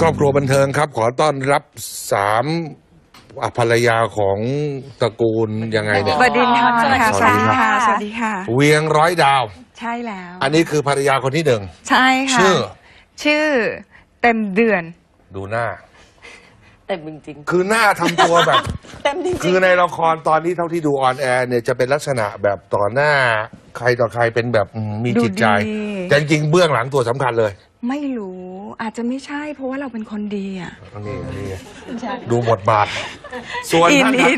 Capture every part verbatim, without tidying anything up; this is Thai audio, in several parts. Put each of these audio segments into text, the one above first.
ครอบครัวบันเทิงครับขอต้อนรับสามภรรยาของตระกูลยังไงเนี่ยบดินทร์ค่ะสวัสดีค่ะสวัสดีค่ะเวียงร้อยดาวใช่แล้วอันนี้คือภรรยาคนที่หนึ่งใช่ค่ะชื่อชื่อเต็มเดือนดูหน้าเต็มจริงคือหน้าทำตัวแบบๆเต็มจริงคือในละครตอนนี้เท่าที่ดูออนแอร์เนี่ยจะเป็นลักษณะแบบต่อหน้าใครต่อใครเป็นแบบอืมมีจิตใจดูดีแต่จริงๆเบื้องหลังตัวสำคัญเลยไม่รู้อาจจะไม่ใช่เพราะว่าเราเป็นคนดีอ่ะอันนี้อันนี้ดูบทบาท ส่วนอินท่านอิน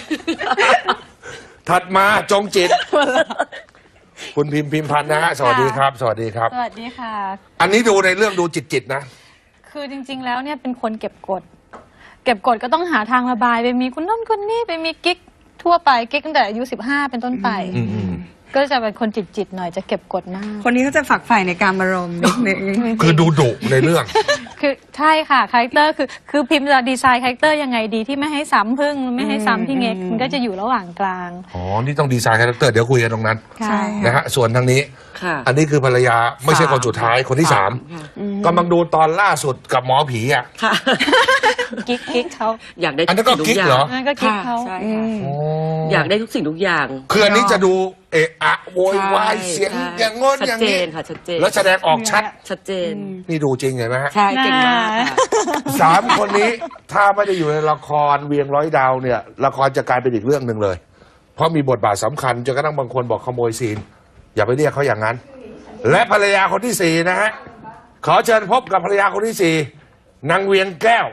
ถัดมาจงจิต คุณพิมพ์พิมพันธ์นะฮะสวัสดีครับ สวัสดีครับสวัสดีค่ะอันนี้ดูในเรื่องดูจิตจิตๆนะคือจริง ๆ แล้วเนี่ยเป็นคนเก็บกด เก็บกดก็ต้องหาทางระบายไปมีคุณนั่นคนนี้ไปมีกิ๊กทั่วไปกิ๊กตั้งแต่อายุสิบห้าเป็นต้นไปอืมอืมก็จะเป็นคนจิตๆหน่อยจะเก็บกดมากคนนี้เขาจะฝักใฝ่ในการอารมณ์นิดนึงคือดูดุในเรื่องคือใช่ค่ะคาแรคเตอร์คือคือพิมพ์จะดีไซน์คาแรคเตอร์ยังไงดีที่ไม่ให้ซ้ำพึ่งไม่ให้ซ้ำพี่เง็กมันก็จะอยู่ระหว่างกลางอ๋อ นี่ต้องดีไซน์คาแรคเตอร์เดี๋ยวคุยกันตรงนั้นใช่นะฮะ ส่วนทางนี้ค่ะอันนี้คือภรรยาไม่ใช่คนสุดท้ายคนที่สามค่ะกำลังดูตอนล่าสุดกับหมอผีอ่ะค่ะกิ๊กกิ๊กเขาอยากได้อันนั้นก็ทุกิ๊กย่างเหรอนั่นก็กิ๊กเขาใช่ค่ะอ๋ออยากได้ทุกสิ่งทุกอย่างคืออันนี้จะดูเอะอะโวยวายใช่เสียงใช่อย่างง้นชัดอย่างเจนี้นค่ะชัดเจนแล้วแสดงออกชัดชัดเจนนี่ดูจริงเห็นไหมฮะใช่เก่งมากค่ะสามคนนี้ถ้าไม่ได้อยู่ในละครเวียงร้อยดาวเนี่ย ละครจะกลายเป็นอีกเรื่องหนึ่งเลย เพราะมีบทบาทสำคัญจนกระทั่งบางคนบอกขโมยซีน อย่าไปเรียกเขาอย่างนั้น และภรรยาคนที่สี่นะฮะ ขอเชิญพบกับภรรยาคนที่สี่นางเวียงแก้ว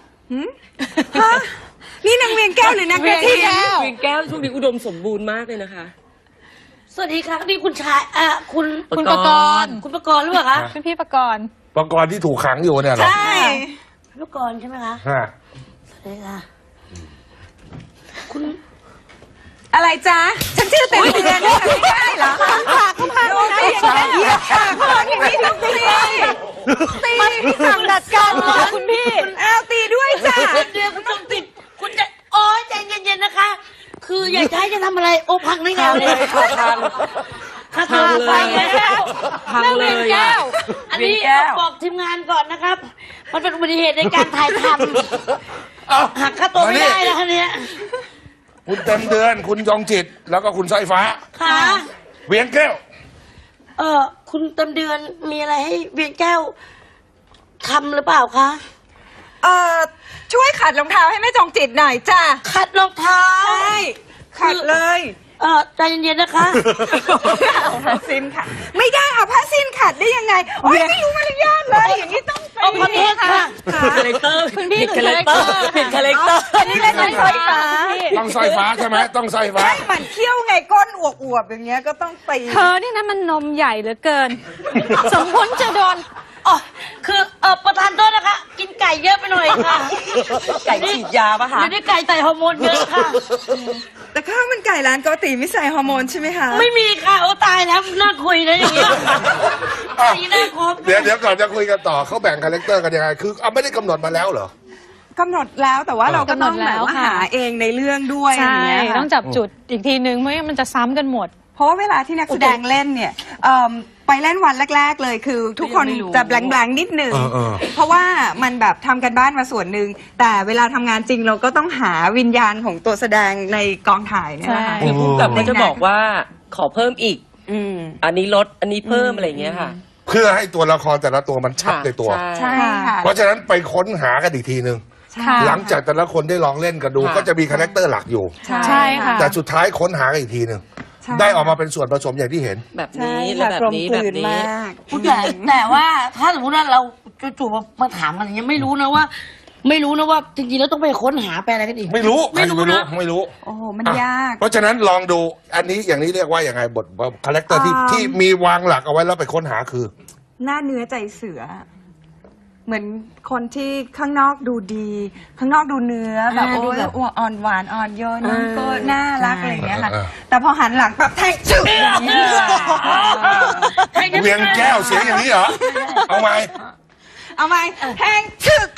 นี่นางเวียงแก้วหรือนางกระทิงเวียงแก้วช่วงนี้อุดมสมบูรณ์มากเลยนะคะสวัสดีค่ะนี่คุณชายอ่ะคุณคุณประกรณ์คุณประกรณ์หรือเปล่าคะเป็นพี่ประกรณ์ประกรณ์ที่ถูกขังอยู่เนี่ยเหรอใช่คุณประกรณ์ใช่ไหมคะฮะสวัสดีค่ะคุณอะไรจ๊ะฉันชื่อเต็มเดือนนะคะไม่ได้เหรอข้างปากข้างปากโดนอย่างนี้เหยียบปากคนอย่างนี้ต้องตีตีพี่สั่งดัดการเลยคุณพี่อ้าวตีด้วยจ้ะเดือนคุณต้องติดคุณจะโอ้ยใจเย็นๆนะคะ คืออยากจะให้จะทำอะไรโอ้พังได้ไงพังเลเลยยค่ะพังค่ะพังเลยแล้วพังเลยแก้อะวอันนี้เวียงแก้วบอกทีมงานก่อนนะครับ มันเป็นอุบัติเหตุในการถ่ายทเอ้าำหักค่าตัวไม่ได้นะคะเนี่ยคุณเต็มเดือนคุณยองจิต แล้วก็คุณสร้อยฟ้าค่ะเวียงแก้วเออคุณเต็มเดือนมีอะไรให้เวียงแก้วทำหรือเปล่าคะเอ่อช่วยขัดรองเท้าให้แม่จงจิตหน่อยจ้ะขัดรองเท้าใช่ขัดเลยเออใจเย็นๆนะคะเอาผ้าสิ้นค่ะ ไม่ได้เอาผ้าสิ้นขัดได้ยังไงโอ๊ยไม่รู้มารยาทเลยอย่างนี้ต้องไปเอาขอโทษค่ะคาแรคเตอร์คุณพี่ผิดคาแรคเตอร์ผิดคาแรคเตอร์อันนี้เล่นเป็นสร้อยฟ้าต้องสร้อยฟ้าใช่ไหมต้องสร้อยฟ้าให้มันเคี้ยวไงก้นอวบๆอย่างเงี้ยก็ต้องตีเธอนี่นะมันนมใหญ่เหลือเกิน สมควรจะโดนอ๋อ คือเออประธานโทษนะคะ กินไก่เยอะไปหน่อยค่ะไก่ฉีดยาปะคะเดี๋ยวนี้ไก่ใส่ฮอร์โมนเยอะค่ะแต่ข้าวมันไก่ร้านโกติไม่ใส่ฮอร์โมนใช่ไหมคะไม่มีค่ะ โอ้ตายแล้วน่าคุยนะอย่างเงี้ยสีหน้าครบเดี๋ยวเดี๋ยวก่อนจะคุยกันต่อเขาแบ่งคาแรคเตอร์กันยังไง คือเอาไม่ได้กำหนดมาแล้วเหรอกำหนดแล้วแต่ว่าเราก็ต้องกำหนดแบแล้บวว่าค่ะหาเองในเรื่องด้วยใช่ย่างเงี้ยค่ะต้องจับจุดอีกทีนึงไม่งั้นมันจะซ้ำกันหมดเพราะว่าเวลาที่นักแสดงเล่นเนี่ยเอิ่มไปเล่นวันแรก ๆ เลยคือ ทุกคนจะแบงๆนิดหนึ่งเออเออเพราะว่ามันแบบทำกันบ้านมาส่วนหนึ่งแต่เวลาทำงานจริงเราก็ต้องหาวิญญาณของตัวแสดงในกองถ่ายเนี่ยนะคะใช่คือผู้กำกับก็จะบอกว่าขอเพิ่มอีกอืมอันนี้ลด อันนี้เพิ่มอะไรอย่างเงี้ยค่ะเพื่อให้ตัวละครแต่ละตัวมันชัดในตัวใช่ใช่ค่ะเพราะฉะนั้นไปค้นหากันอีกทีหนึ่งค่ะหลังจากแต่ละคนได้ลองเล่นกันดูค่ะก็จะมีคาแรคเตอร์หลักอยู่ใช่ค่ะแต่สุดท้ายค้นหากันอีกทีหนึ่งใช่ได้ออกมาเป็นส่วนผสมอย่างที่เห็นแบบใช่นี้และค่ะแบบกลมนี้กแบลืบนนี้มากแต่แต่ว่าถ้าสมมติว่าเราจู่ๆมามาถามกันอย่างเงี้ยไม่รู้นะว่า ไม่รู้นะว่าจริงๆแล้วต้องไปค้นหาไปอะไรกันอีกไม่รู้ใครไม่จะรู้ไม่รู้นะไม่รู้โอ้โหมันอ่ะยากเพราะฉะนั้นลองดูอันนี้อย่างนี้เรียกว่าอย่างไงบทคาแรคเตอร์ที่อ่าที่มีวางหลักเอาไว้แล้วไปค้นหาคือหน้าเนื้อใจเสือ เหมือนคนที่ข้างนอกดูดี ข้างนอกดูเนื้อแบบอ่าโอ้ดูยแบบอ่อนหวานอ่อนโยนน้องก็น่ารักอะไรอย่างเงี้ยค่ะเออแต่พอหันหลังแบบแทงจุ๊บอย่างเงี้ยเวียงแก้วเสียงอย่างนี้เหรอ เอาไหมเอาไหมแทงฉึก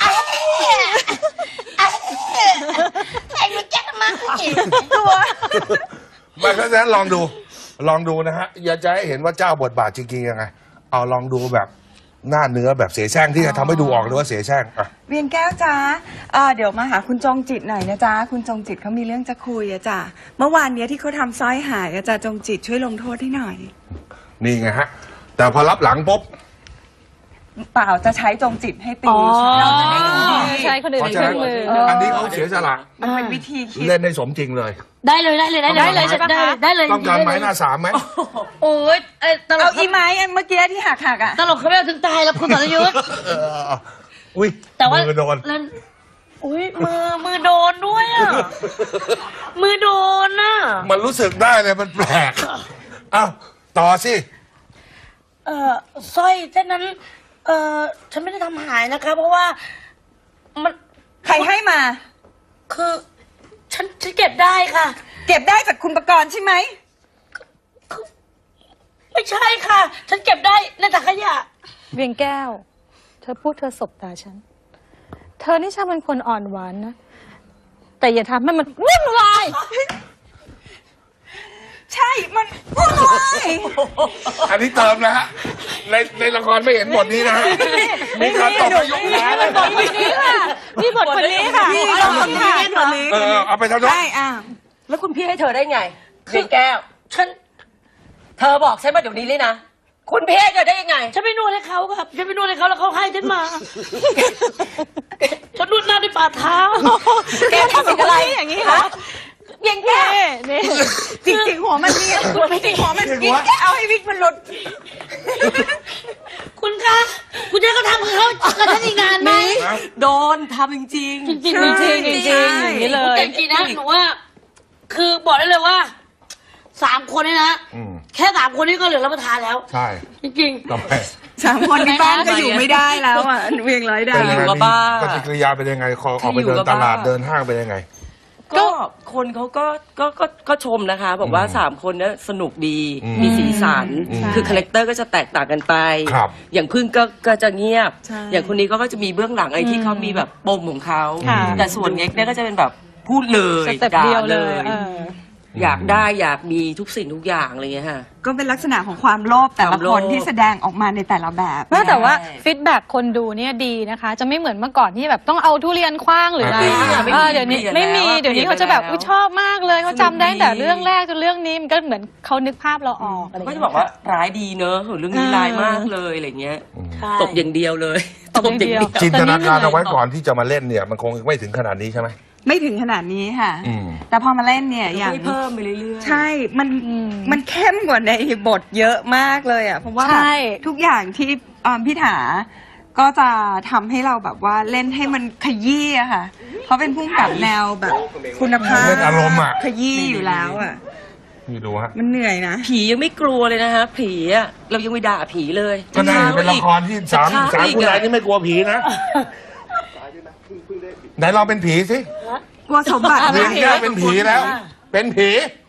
ไอ้มันแจ๊กมาตัวมาเพราะฉะนั้นลองดู ลองดูนะฮะ อยากจะให้เห็นว่าเจ้าบทบาทจริงๆยังไง เอาลองดูแบบหน้าเนื้อแบบเสียแช่งที่จะทำให้ดูออกเลยว่าเสียแช่งอ่ะเวียงแก้วจ้าเอ่อเดี๋ยวมาหาคุณจงจิตหน่อยนะจ๊ะคุณจงจิตเขามีเรื่องจะคุยอะจ้ะเมื่อวานเนี้ยที่เขาทำสร้อยหายอะจ้ะจงจิตช่วยลงโทษให้หน่อยนี่ไงฮะ แต่พอรับหลังปุ๊บเปล่าจะใช้จงจิตให้ตีอ๋อเราจะได้ดูดีใช้คนอื่นเพราะเป็นฉะเคนั้รื่นองมืออันนี้เขาเสียสละมันเป็นวิธีคิดเล่นได้สมจริงเลยได้เลยได้เลยได้เลยได้เลยใช่ปะได้เลยได้เลยต้องการไม้หน้าสามไหมโอ้ยเอ้ยตลเอากอีไม้อันเมื่อกี้ที่หักหักๆอะตลกเขาไม่เอาถึงตายแล้วคุณสรยุทธ์เอออุ้ยแต่ว่ามือโดนแล้วอุ้ยมือมือโดนด้วยอ่ะ มือโดนอ่ะมันรู้สึกได้เลยมันแปลกอ้าวต่อสิเอ่อสร้อยเส้นนั้น เอ่อฉันไม่ได้ทำหายนะคะ เพราะว่ามันใครให้มาคือ ฉันฉันเก็บได้ค่ะเก็บได้จากคุณประกรณ์ใช่ไหมไม่ใช่ค่ะ ฉันเก็บได้ในถังขยะเวียงแก้ว เธอพูดเธอสบตาฉัน เธอนี่ช่างเป็นคนอ่อนหวานนะ แต่อย่าทำให้มันวุ่นวายใช่มันพูดเลยอันนี้เติมนะฮะในในละครไม่เห็นบทนี้นะฮะมีการตบไปยกขาเลยบทคนนี้ค่ะนี่บทคนนี้ค่ะพี่ลองถ่ายคนนี้เออเอาไปทำโทษได้อ่ะแล้วคุณพี่ให้เธอได้ไงเวียงแก้วฉันเธอบอกฉันมาเดี๋ยวนี้เลยนะ คุณพี่ให้เธอได้ยังไงฉันไปนวดให้เขาครับ ฉันไปนวดให้เขาแล้วเขาให้ฉันมา ฉันนวดหน้าด้วยฝ่าเท้าแกทำอะไรอย่างนี้เหรอเวียงแก้วนี่จริงๆหัวมันเนี่ยจริงๆหัวมันวิกเอาให้วิกมันหลุดคุณคะ คุณจะให้เขาทำกับเขากับฉันอีกนานไหมโดนทำจริงจริงๆจริงจริงจริงอย่างนี้เลยแต่จริงๆนะหนูว่า คือบอกได้เลยว่าสามคนนี่นะอืมแค่สามคนนี้ก็เหลือรับประทานแล้วใช่จริงต่อไปสามคนที่บ้านก็อยู่ไม่ได้แล้วอ่ะเวียงร้อยดาเป็นวยังไงอยู่กับบ้าปฏิกิริยาเป็นยังไงขอออกไปเดินตลาดเดินห้างเป็นยังไงๆ ก็คนเขาก็ก็ก็ก็ชมนะคะ บอกว่าอืมสามคนเนี้ยสนุกดีอืมมีสีสันอืมคือคาแรคเตอร์ก็จะแตกต่างกันไปครับอย่างพึ่งก็ก็จะเงียบใช่อย่างคนนี้ก็ก็จะมีเบื้องหลังอะไรที่เขามีแบบปมของเขาค่ะแต่ส่วนเง็กเนี่ยก็จะเป็นแบบพูดเลยสเต็ปเดียวเลยด่าเอออยากได้อยากมีทุกสิ่งทุกอย่างอะไรเงี้ยค่ะก็เป็นลักษณะของความโลภแต่ละความโลคภนที่แสดงออกมาในแต่ละแบบว่าแต่ว่าใช่ฟีดแบ็กคนดูเนี่ยดีนะคะ จะไม่เหมือนเมื่อก่อนที่แบบต้องเอาทุเรียนคว้างหรืออะไรอ่าเออเดี๋ยวนี้เปลี่ยนไม่มีแล้วเดี๋ยวนี้เขาจะแบบอุ๊ยชอบมากเลยเขาจำได้ตั้งแต่เรื่องแรกจนเรื่องนี้มันก็เหมือนเขานึกภาพเราออกอะไรอย่างก็เงี้ยจะบอกว่าร้ายดีเนอะโหเรื่องนี้อ่าร้ายมากเลยอะไรเงี้ยๆ ใช่ตบอย่างเดียวเลยตบอย่างเดียวจินตนาการเอาไว้ก่อนที่จะมาเล่นเนี่ย มันคงไม่ถึงขนาดนี้ใช่ไหมไม่ถึงขนาดนี้ค่ะอืมแต่พอมาเล่นเนี่ยอย่างให้เพิ่มไปเรื่อยๆใช่ มันอืมมันเข้มกว่าในบทเยอะมากเลยอ่ะ เพราะว่าใช่แบบทุกอย่างที่เอิ่มพี่ถา ก็จะทำให้เราแบบว่าเล่นให้มันขยี้อะค่ะ เขาเป็นผู้กำกับแนวแบบคุณภาพเล่นอารมณ์อะขยี้อยู่แล้วอ่ะนี่ดูฮะมันเหนื่อยนะผียังไม่กลัวเลยนะฮะผีอะเรายังไม่ด่าผีเลยก็น่าจะเป็นละครที่สามจะสามอีกคุณอะนายนี่ไม่กลัวผีนะ ไหนลองเป็นผีสิกลัวสมบัติเวียงแก้วเป็นผีแล้ว เป็นผี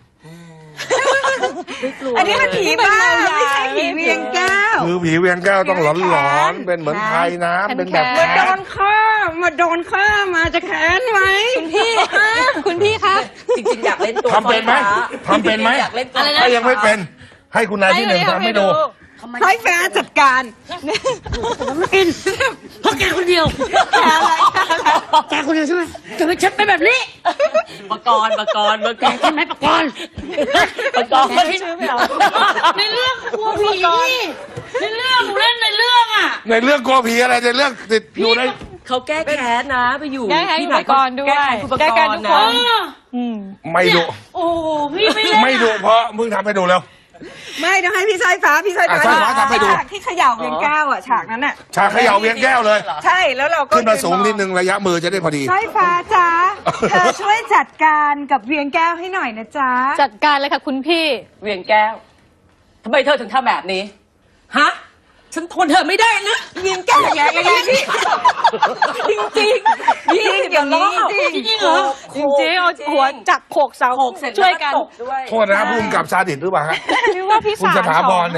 อันนี้มันผีบ้าไม่ใช่ผีเวียงแก้วคือผีเวียงแก้วต้องหลอนหลอนๆเป็นเหมือนไทยน้ำเป็นแบบแค้มาโดนฆ่ามาโดนฆ่ามาจะแค้นไหมคุณพี่คุณพี่คะจริงๆอยากเล่นตัวทำเป็นไหมทำเป็นไหมอยากเล่นตัวถ้ายังไม่เป็น ให้คุณนายที่หนึ่งทำให้ดูให้แฟนจัดการอินเพราะแกคนเดียวแพ้อะไรแกคนเดียวใช่ไหมจะไม่ฉันเป็นแบบนี้ปกรณ์ปกรณ์ปกแกรณ์ใช่ไหมปะกรณ์ปกรณ์ในเรื่องกลัวผีนี่ในเรื่องหนูเล่นในเรื่องอ่ะในเรื่องกลัวผีอะไรในเรื่องติดอยู่ในเขาแก้แค้นนะไปอยู่แก้แค้นที่ไหนอุปกรณ์ด้วยแก้แค้นอุปแก้กแค้นรทุณ์กคนะน อืมไม่ดุโอ้โหพี่ไม่เล่นไม่ดุเพราะมึงทำให้ดูแล้วไม่ต้องให้พี่สายฟ้าพี่สายฟ้าอ่ะสายฟ้าทำให้ดูฉากที่เขย่าเวียงแก้วอ่ะฉากนั้นอ่ะชาเขย่าเวียงแก้วเลยใช่แล้วเราก็ขึ้นมาสูงนิดนึงระยะมือจะได้พอดีสายฟ้าจ้าเธอช่วยจัดการกับเวียงแก้วให้หน่อยนะจ๊ะจัดการเลยค่ะคุณพี่เวียงแก้วทำไมเธอถึงทำแบบนี้ฮะฉันทนเธอไม่ได้นะเวียงแก้วอย่างไรอย่างนี้จริงจริงๆยี่สิบอย่างนี้จริงๆเหรอจริงๆเอาหัวจับโขกเสาโขกเสร็จช่วยกันแล้ตบด้วยโทษนะภูมิกับซาดิสหรือเปล่าฮะหรือว่าพี่คุณสาวสถาพรเนี่ยค่ะ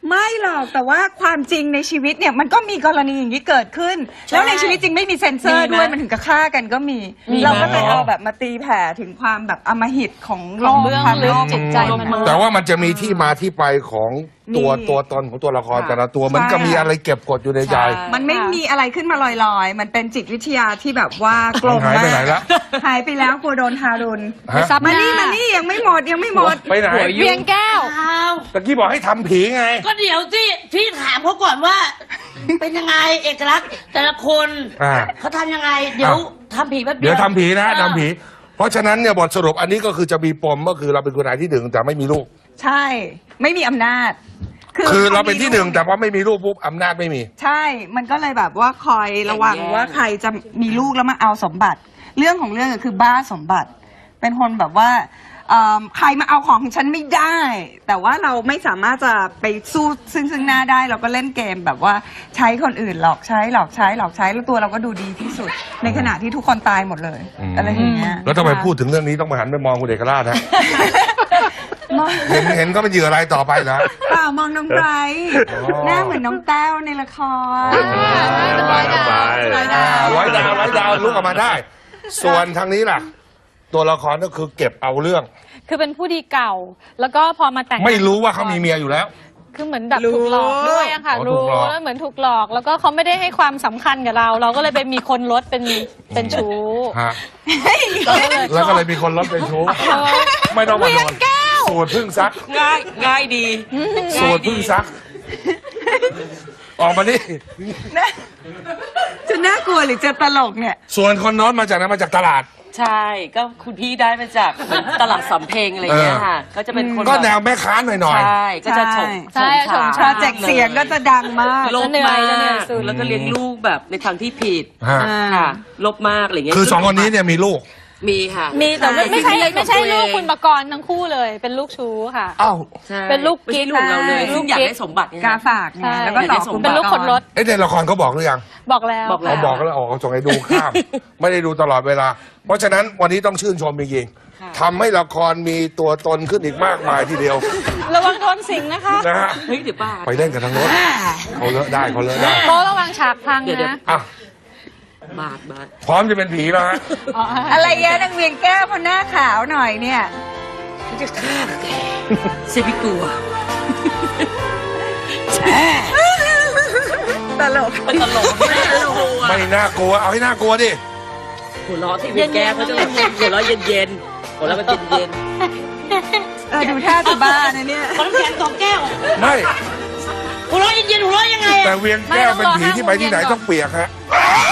ไม่หรอกแต่ว่าความจริงในชีวิตเนี่ยมันก็มีกรณีอย่างนี้เกิดขึ้น แล้วในชีวิตจริงไม่มีเซ็นเซอร์ด้วยมันถึงกับฆ่ากันก็มี เราก็เลยเอาแบบมาตีแผ่ถึงความแบบอำมหิตของโลของกเบื้องความลึโลกกจิตใจมนุษย์แต่ว่ามันจะมีที่มาที่ไปของตัวมีตัวตนของตัวละครค่ะแต่ละตัวมันก็ใช่มีอะไรเก็บกดอยู่ในใจใช่มันไม่มีอะไรขึ้นมาลอยๆ มันเป็นจิตวิทยาที่แบบว่ากลมหายไปมากไหนละหายไปแล้วกลัวโดนทารุณฮะซับหมาน้านี่มานี่ยังไม่หมดยังไม่หมดไปไหนหัวยุ่เวียงแก้วอ้าวตะกี้บอกให้ทำผีไงก็เดี๋ยวที่พี่ถามเขาก่อนว่า เป็นยังไงเอกลักษณ์แต่ละคนอ่าเขาทำยังไง เดี๋ยวทำผีแป๊บเดียวเดี๋ยวทำผีนะเออทำผี เพราะฉะนั้นเนี่ยบทสรุปอันนี้ก็คือจะมีปมก็คือเราเป็นคุณนายที่หนึ่งแต่ไม่มีลูกใช่ ไม่มีอำนาจคือเราเป็นที่หนึ่งแต่ว่าไม่มีลูกปุ๊บอำนาจไม่มีใช่ มันก็เลยแบบว่าคอยระวังแย่งว่าใครจะมีลูกแล้วมาเอาสมบัติ เรื่องของเรื่องก็คือบ้าสมบัติ เป็นคนแบบว่าเอิ่มใครมาเอาของของฉันไม่ได้ แต่ว่าเราไม่สามารถจะไปสู้ซึ่งซึ่งหน้าได้ เราก็เล่นเกมแบบว่าใช้คนอื่นหลอกใช้หลอกใช้หลอกใช้แล้วตัวเราก็ดูดีที่สุด ในขณะที่ทุกคนตายหมดเลยอืมอะไรอย่างเงี้ยแล้วทำไมพูดถึงเรื่องนี้ต้องมาหันไปมองคุณเอกราชฮะ เห็นเห็นก็เป็นเหยื่ออะไรต่อไปนะเปล่ามองน้องไบรท์อ๋อหน้าเหมือนน้องแต้วในละครร้อยดาวร้อยดาวร้อยดาวร้อยดาวลุกออกมาได้ ส่วนทางนี้ล่ะ ตัวละครก็คือเก็บเอาเรื่องคือเป็นผู้ดีเก่า แล้วก็พอมาแต่งไม่รู้ว่าเขามีเมียอยู่แล้วคือเหมือนแบบรู้ถูกหลอกด้วยอะค่ะอ๋อถูรู้กหลอกแล้วเหมือนถูกหลอก แล้วก็เขาไม่ได้ให้ความสำคัญกับเรา เราก็เลยไปมีคนลดเป็นเป็นชู้ฮะก็เลยแล้วก็เลยมีคนลดเป็นชู้ไม่ต้องมาโดนสูตรพึ่งซักง่ายง่ายดีสูตรพึ่งซัก ออกมาดิจะน่ากลัวหรือจะตลกเนี่ยส่วนคนโน้นมาจากไหนมาจากตลาดใช่ก็คุณพี่ได้มาจากเหมือนตลาดสำเพ็งอะไรอย่างเงี้ยค่ะ ก็จะเป็นคนก็บบแนวแม่ค้าหน่อยหน่อยใช่ก็จะฉกใช่ฉงใช่โปรเจกต์เสียงก็จะดังมากลบจะเหนื่มาอยจะเหนื่กอยสุดแล้วก็เลี้ยงลูกแบบในทางที่ผิดฮะค่ะลบมากอะไรเงี้ยคือสองคนนี้เนี่ยมีลูกมีค่ะมีแต่ว่าไม่ใช่เป็นไม่ใช่ของตัวเองลูกคุณประกรณ์ทั้งคู่เลย เป็นลูกชู้ค่ะอ้าวใช่เป็นลูกไม่ใช่กิ๊กลูกเราเลยใช่ซึ่งอยากได้สมบัติไงกาฝากไงใช่แล้วก็ต่อเป็นคุณเป็นลูกคนรถเอ้ในละครเขาบอกหรือยังบอกแล้วบอกแล้เขาวบอกแล้วออกเขาส่งให้ดูข้าม ไม่ได้ดูตลอดเวลา เพราะฉะนั้นวันนี้ต้องชื่นชมจริงค่ะๆทำให้ละครมีตัวตนขึ้นอีกมากมายทีเดียวระวังโดนสิงนะคะนะฮะเฮ้ยเดี๋ยวบ้าไปเล่นกันทั้งรถเขาเลอะได้เขาเลอะได้โต๊ะระวังฉากพังเดี๋ยวเดี๋ยวนะอ่ะบาดบาดพร้อมจะเป็นผีแล้วฮะอ๋ออะไรเงี้ยนางเวียงแก้วพอหน้าขาวหน่อยเนี่ยจะฆ่าแกเซบิกลัวตลกมันตลกไม่น่ากลัวไม่น่ากลัวเอาให้น่ากลัวดิหัวเราะที่เวียนแก้เขาจะหัวเราะเย็นๆหัวเราะมันเย็นเออดูท่าจะบ้านะเนี่ยขอน้ำแข็งสองแก้วไม่หัวเราะเย็นๆหัวเราะยังไงแต่อะเวียงแก้วเป็นผีที่ไปที่ไหนต้องเปียกฮะ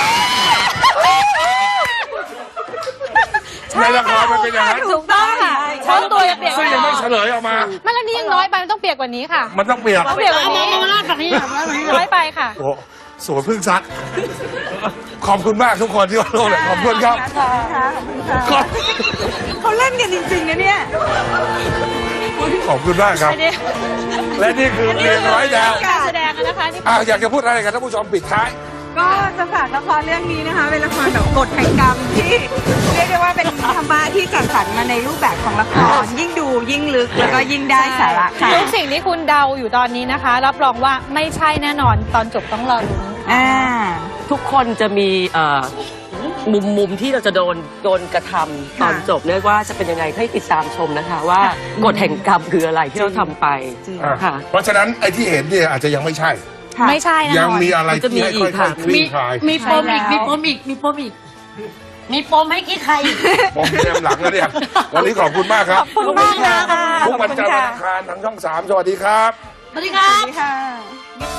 ในละครมันเป็นอย่างนั้นถูกต้องค่ะเพราะตัวจะเปียกซึ่งยังไม่เฉลยออกมาไม่แล้วนี่ยังน้อยไปมันต้องเปียกกว่านี้ค่ะมันต้องเปียกต้องเปียกกเอาว่ามานี้มามาลาดฝั่งนี้เอามาลาดฝั่งนี้น้อยไปค่ะโอ้สวนพึ่งซัก ขอบคุณมากทุกคนที่มาร่วมเลยขอบคุณครับขอบคุณค่ะขอบคุณค่ะเขาเล่นกันจริงๆนะเนี่ยขอบคุณมากครับอันนี้และนี่คือเรียนร้อยดาวการแสดงนะคะนี่อ่ะอยากจะพูดอะไรกับท่านผู้ชมปิดท้ายก็จะฝากละครเรื่องนี้นะคะ เป็นละครแบบกฎแห่งกรรมที่เรียกได้ว่าเป็นธรรมะที่จัดสรรมาในรูปแบบของละคร ยิ่งดูยิ่งลึกแล้วก็ยิ่งได้สาระค่ะทุกสิ่งที่คุณเดาอยู่ตอนนี้นะคะ รับรองว่าไม่ใช่แน่นอนตอนจบต้องรอลุ้นอ่าๆทุกคนจะมีเอ่อมุมมุมที่เราจะโดนโดนกระทำตอนจบเนี่ยว่าจะเป็นยังไงให้ติดตามชมนะคะ ว่ากฎแห่งกรรมคืออะไรที่เราทำไปจริงอ่ะค่ะเพราะฉะนั้นไอ้ที่เห็นเนี่ยอาจจะยังไม่ใช่ค่ะไม่ใช่แน่นอนยังมีอะไรมันจะมีที่ให้อีกค่อยค่ะๆคลี่คลายมีปมอีกใช่แล้วมีปมอีก มีปมอีก มีปมให้กี้ใครอีกผมเตรียมหลังแล้วเนี่ยวันนี้ขอบคุณมากครับขอบคุณมากนะคะทุกวันจันทร์วันอังคารทางช่องสามสวัสดีครับสวัสดีครัสวับสดีค่ะ